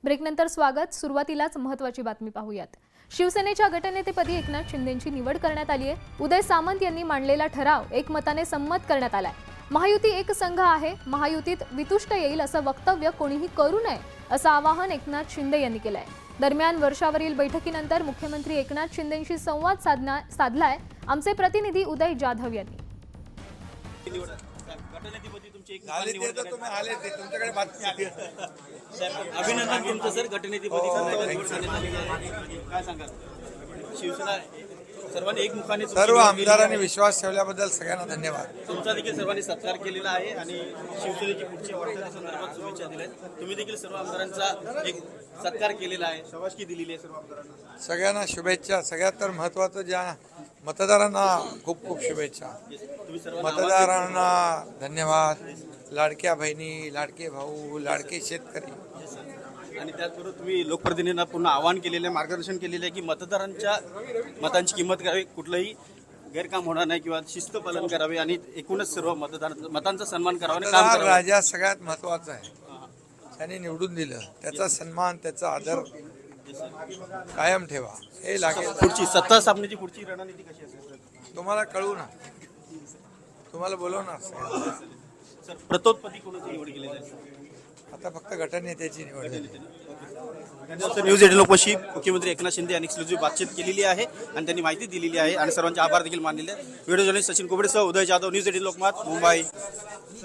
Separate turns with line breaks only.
ब्रेकनंतर स्वागत. सुरुवातीलाच महत्त्वाची बातमी पाहूयात. शिवसेनेच्या गटनेतेपदी एकनाथ शिंदेंची निवड करण्यात आली आहे. उदय सामंत यांनी मांडलेला ठराव एकमताने संमत करण्यात आलाय. महायुती एक संघ आहे, महायुतीत वितुष्ट येईल असं वक्तव्य कोणीही करू नये असं आवाहन एकनाथ शिंदे यांनी केलंय. दरम्यान वर्षावरील बैठकीनंतर मुख्यमंत्री एकनाथ शिंदेंशी संवाद साधलाय आमचे प्रतिनिधी उदय जाधव यांनी.
अभिनंदन तुमचं सर. गटनेतेपदी काय सांगाल? शिवसेना सर्वांनी एकमुखाने
सर्व आमदारांनी विश्वास ठेवल्याबद्दल सगळ्यांना धन्यवाद.
तुमचा देखील सर्वांनी सत्कार केलेला आहे आणि शिवसेनेची पुढची वाटचाली संदर्भात शुभेच्छा दिल्या. तुम्ही देखील सर्व आमदारांचा एक सत्कार केलेला आहे, शाबासकी दिलेली आहे सर्व आमदारांना.
सगळ्यांना शुभेच्छा. सगळ्यात तर महत्त्वाचं ज्या मतदारांना खूप खूप शुभेच्छा.
तुम्ही सर्व
मतदारांना धन्यवाद. लाडक्या बहिणी, लाडके भाऊ, लाडके शेतकरी
आणि त्याचबरोबर तुम्ही लोकप्रतिनिधींना पुन्हा आवाहन केलेलं आहे, मार्गदर्शन केलेलं आहे की मतदारांच्या मतांची किंमत करावी, कुठलंही गैरकाम होणार नाही किंवा शिस्त पालन करावे आणि एकूणच सर्व मतांचा सन्मान करावा आणि काम
मतदार
करावं.
राजा सगळ्यात महत्त्वाचा आहे. त्याने निवडून दिलं, त्याचा सन्मान, त्याचा आदर कायम ठेवा. हे लागेल.
पुढची सत्ता स्थापनेची पुढची रणनीती कशी असेल
तुम्हाला कळू ना, तुम्हाला बोलवणार सगळ्यांना.
सर? प्रतोत्पत्ती कोणाची निवड केलेली आहे?
आता फक्त गटनेत्याची निवड झाली.
न्यूज 18 लोकशी मुख्यमंत्री एकनाथ शिंदे यांनी एक्सक्लुझिव्ह बातचीत केलेली आहे आणि त्यांनी माहिती दिलेली आहे आणि सर्वांचे आभार देखील मानलेले. व्हिडिओ जर्नलिस्ट सचिन कोबडेसह उदय जाधव, न्यूज 18 लोकमत, मुंबई.